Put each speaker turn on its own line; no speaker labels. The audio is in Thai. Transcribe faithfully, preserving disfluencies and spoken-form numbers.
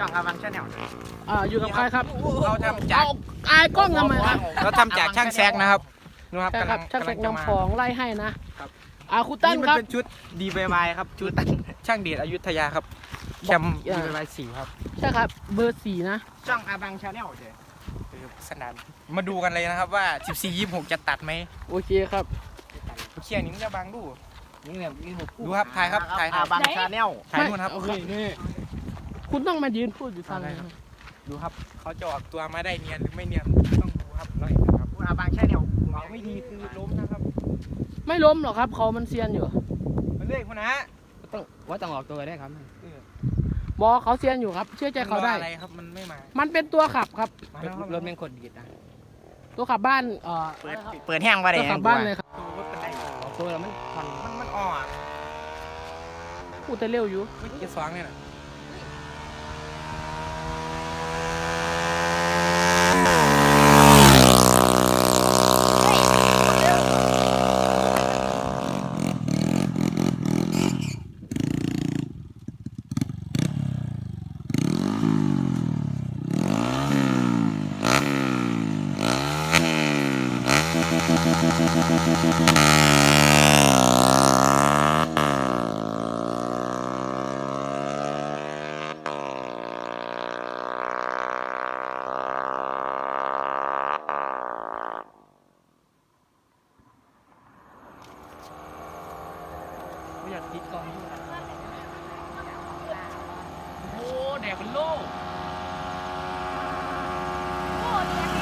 องอาวังชาแนล
อ่าอยู่กับใครครับ
เราทำจาก
อายกล้องทำไมครับ
เราทำจากช่างแซกนะครับนะครับ
ใช่ครับช่างแซกนำของไล่ให้นะครับอ่าคุณ
ตั้
ตั้
น
น
ค
ค
รั
รั
บบ เป็นชุด ดี วาย วาย ครับชุดช่างเดชอยุธยาครับแชมป์ ดี วาย วาย สี่ครับ
ใช่ครับเบอร์สี่นะ
ช่องอาวังชาแนลเดี๋ยวสนานมาดูกันเลยนะครับว่าสิบสี่ ยี่สิบหกจะตัดไหม
โอเคครับ
เคียงนี้มันจะบังดูนี่แบบดูครับถ่ายครับถ่ายอาวังชาแนลถ่ายนู่นครับนี่
คุณต้องมายืนพูดอยู่ทางไหน
ดูครับเขาจะออกตัวมาได้เนียนหรือไม่เนียนต้องดูครับเราเห็นนะครับอาวังชาแนลเราไม่ดีคือล้มนะครับ
ไม่ล้มหรอกครับเขามันเซียนอยู่
มันเลื่อยคุณนะ
ต้องว่าต้องออกตัวได้ครับ
บอเขาเซียนอยู่ครับเชื่อใจเขาได้
อะไรครับมันไม่มา
มันเป็นตัวขับครับ
รถแม่งกดดีดนะ
ตัวขับบ้านเอ่อ
เปิดเปิดแห้งมาเลย
ตัวขับบ้านเลยครับ
ตัวเรามันพัน
มันมันอ่อน
พูดแต่เร็วอยู่
ไม่กี่สองเนี่ยนะ
อยากติดกล้องโอ้แดดเป็นโลกโอ้แดด